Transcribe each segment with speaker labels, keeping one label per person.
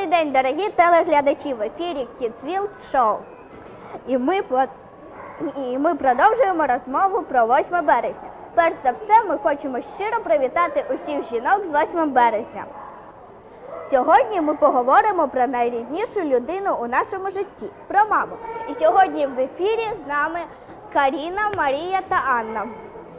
Speaker 1: день, дорогі телеглядачі! В ефірі Kidsville Show. І ми продовжуємо розмову про 8 березня. Перш за все, ми хочемо щиро привітати усіх жінок з 8 березня. Сьогодні ми поговоримо про найріднішу людину у нашому житті – про маму. І сьогодні в ефірі з нами Каріна, Марія та Анна.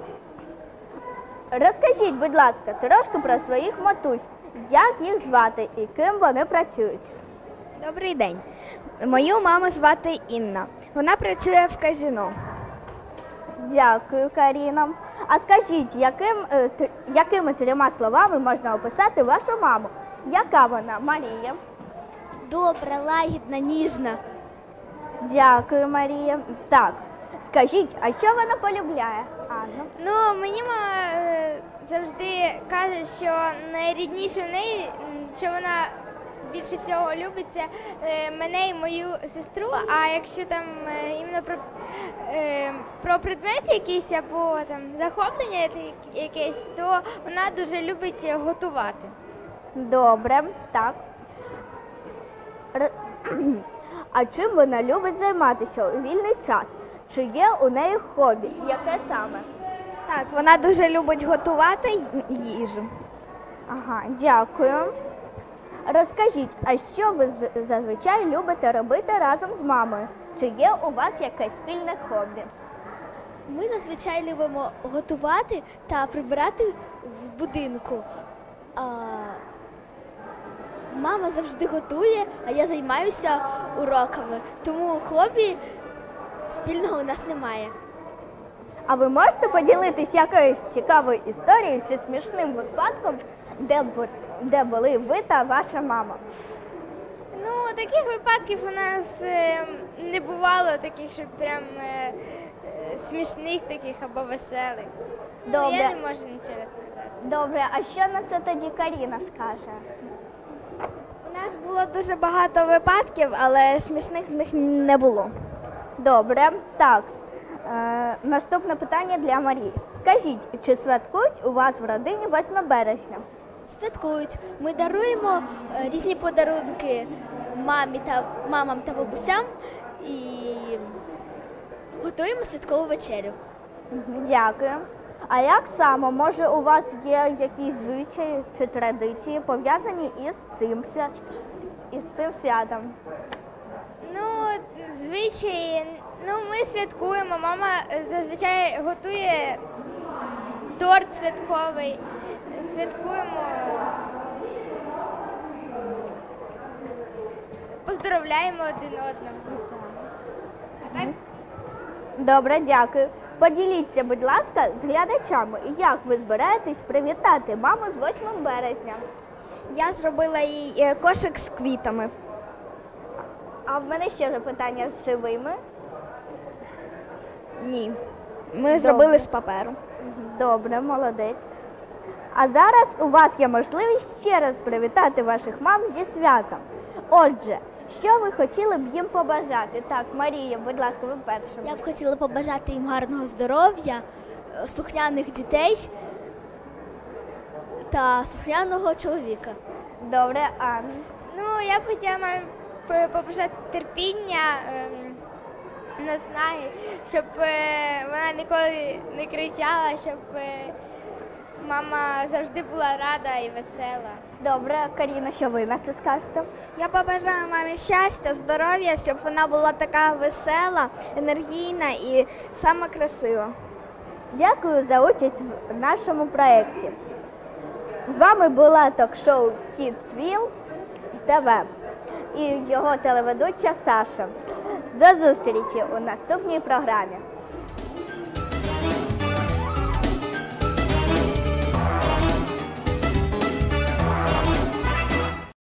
Speaker 1: Розкажіть, будь ласка, трошки про своїх матусь, як їх звати і ким вони працюють.
Speaker 2: Добрий день. Мою маму звати Інна. Вона працює в казино.
Speaker 1: Дякую, Каріна. А скажіть, якими 3 словами можна описати вашу маму? Яка вона, Марія?
Speaker 2: Добра, лагідна, ніжна.
Speaker 1: Дякую, Марія. Так, скажіть, а що вона полюбляє, Анна?
Speaker 3: Ну, мені мама завжди каже, що найрідніше в неї, що вона більше всього любить, це мене і мою сестру, а якщо там іменно про предмети якісь або там захоплення якесь, то вона дуже любить готувати.
Speaker 1: Добре, так. А чим вона любить займатися у вільний час? Чи є у неї хобі? Яке саме?
Speaker 2: Так, вона дуже любить готувати їжу.
Speaker 1: Ага, дякую. Розкажіть, а що ви зазвичай любите робити разом з мамою? Чи є у вас якесь спільне хобі?
Speaker 4: Ми зазвичай любимо готувати та прибирати в будинку. Мама завжди готує, а я займаюся уроками, тому хобі спільного у нас немає.
Speaker 1: А ви можете поділитись якоюсь цікавою історією чи смішним випадком, де були ви та ваша мама?
Speaker 3: Ну, таких випадків у нас не бувало, таких, щоб прям смішних таких або веселих.
Speaker 1: Добре.
Speaker 3: Я не можу нічого сказати.
Speaker 1: Добре, а що на це тоді Каріна скаже?
Speaker 2: У нас було дуже багато випадків, але смішних з них не було.
Speaker 1: Добре, так. Наступне питання для Марії. Скажіть, чи святкують у вас в родині 8 березня?
Speaker 4: Святкують. Ми даруємо різні подарунки мамам та бабусям і готуємо святкову вечерю.
Speaker 1: Дякую. А як саме, може, у вас є якісь звичаї чи традиції, пов'язані із цим святом?
Speaker 3: Ну, звичаї, ми святкуємо. Мама зазвичай готує торт святковий. Святкуємо, поздоровляємо один одного. А так?
Speaker 1: Добре, дякую. Поділіться, будь ласка, з глядачами, як ви збираєтесь привітати маму з 8 березня.
Speaker 2: Я зробила їй кошик з квітами.
Speaker 1: А в мене ще запитання з живими.
Speaker 2: Ні, ми зробили з паперу.
Speaker 1: Добре, молодець. А зараз у вас є можливість ще раз привітати ваших мам зі святом. Отже, що ви хотіли б їм побажати? Так, Марія, будь ласка, ви перша.
Speaker 4: Я б хотіла побажати їм гарного здоров'я, слухняних дітей та слухняного чоловіка.
Speaker 1: Добре, Анна.
Speaker 3: Ну, я б хотіла мамі побажати терпіння, наснаги, щоб вона ніколи не кричала, щоб мама завжди була рада і весела.
Speaker 1: Добре, Каріна, що ви на це скажете?
Speaker 2: Я побажаю мамі щастя, здоров'я, щоб вона була така весела, енергійна і сама красива.
Speaker 1: Дякую за участь в нашому проєкті. З вами була ток-шоу Kidsville ТВ і його телеведуча Саша. До зустрічі у наступній програмі.